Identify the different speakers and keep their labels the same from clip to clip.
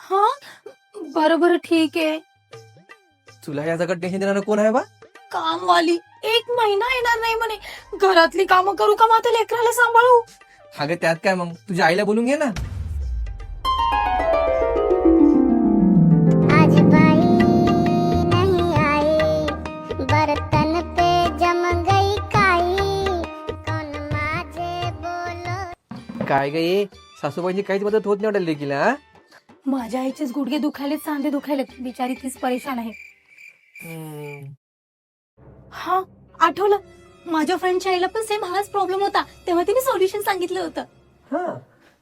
Speaker 1: हा बरोबर ठीक आहे.
Speaker 2: तुला या सगळं टेन्शन देणार कोण आहे बा?
Speaker 1: कामवाली 1 महिना येणार नाही म्हणे. घरातली कामं करू का मात्र लेकराला सांभाळू?
Speaker 2: अगं त्यात काय मग, तुझ्या आईला बोलून घे ना.
Speaker 3: आज बाई नहीं आई, बर्तन पे जम गई काई, कौन माझे बोलो.
Speaker 2: काय ग ये सासूबाईंची काहीच मदत होत नाही वाटेल लेकीला, हा?
Speaker 1: माझ्या आईचेच गुडघे दुखायलेत, सांधे दुखायलेत, बिचारी तीच परेशान आहे. हा आठवलं, माझ्या फ्रेंडच्या आईला पण सेम हाच प्रॉब्लेम होता, तेव्हा तिने सोल्युशन सांगितलं होतं.
Speaker 2: हा.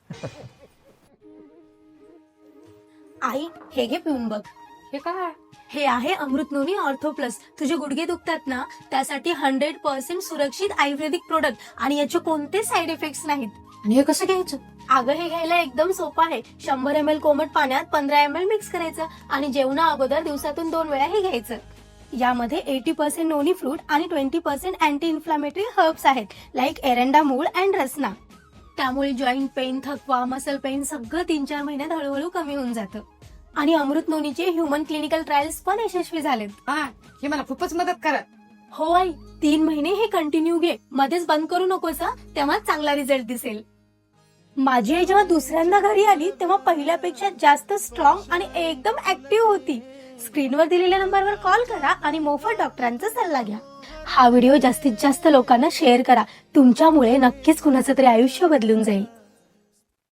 Speaker 1: आई हे घे पिऊन बघ.
Speaker 4: हे काय?
Speaker 1: हे आहे अमृत नोनी ऑर्थो प्लस. तुझे गुडघे दुखतात ना, त्यासाठी 100% सुरक्षित आयुर्वेदिक प्रोडक्ट आणि याचे कोणतेच साईड इफेक्ट्स नाहीत.
Speaker 4: आणि हे कसं घ्यायचं?
Speaker 1: अगं हे घ्यायला एकदम सोपं आहे. 100 ml कोमट पाण्यात 15 ml मिक्स करायचं आणि जेवणा अगोदर दिवसातून 2 वेळा हे घ्यायचं. यामध्ये 80% नोनी फ्रूट आणि 20% अँटी इन्फ्लामेटरी हर्ब्स आहेत, लाईक एरंडा मूळ अँड रसना. त्यामुळे जॉईंट पेन, थकवा, मसल पेन सगळं 3-4 महिन्यात हळूहळू कमी होऊन जातं. आणि अमृत नोनीचे ह्युमन क्लिनिकल ट्रायल्स पण यशस्वी झालेत.
Speaker 4: हा, हे मला खूपच मदत करा.
Speaker 1: हो आई, 3 महिने हे कंटिन्यू घे, मध्येच बंद करू नकोस, तेव्हा चांगला रिझल्ट दिसेल. माझी आई जेव्हा दुसऱ्यांदा घरी आली तेव्हा पहिल्यापेक्षा जास्त स्ट्रॉंग आणि एकदम ऍक्टिव्ह होती. स्क्रीनवर दिलेल्या नंबरवर कॉल करा आणि मोफत डॉक्टरांचा सल्ला घ्या. हा व्हिडिओ जास्तीत जास्त लोकांना शेअर करा. तुमच्यामुळे नक्कीच कुणाचं तरी आयुष्य बदलून जाईल.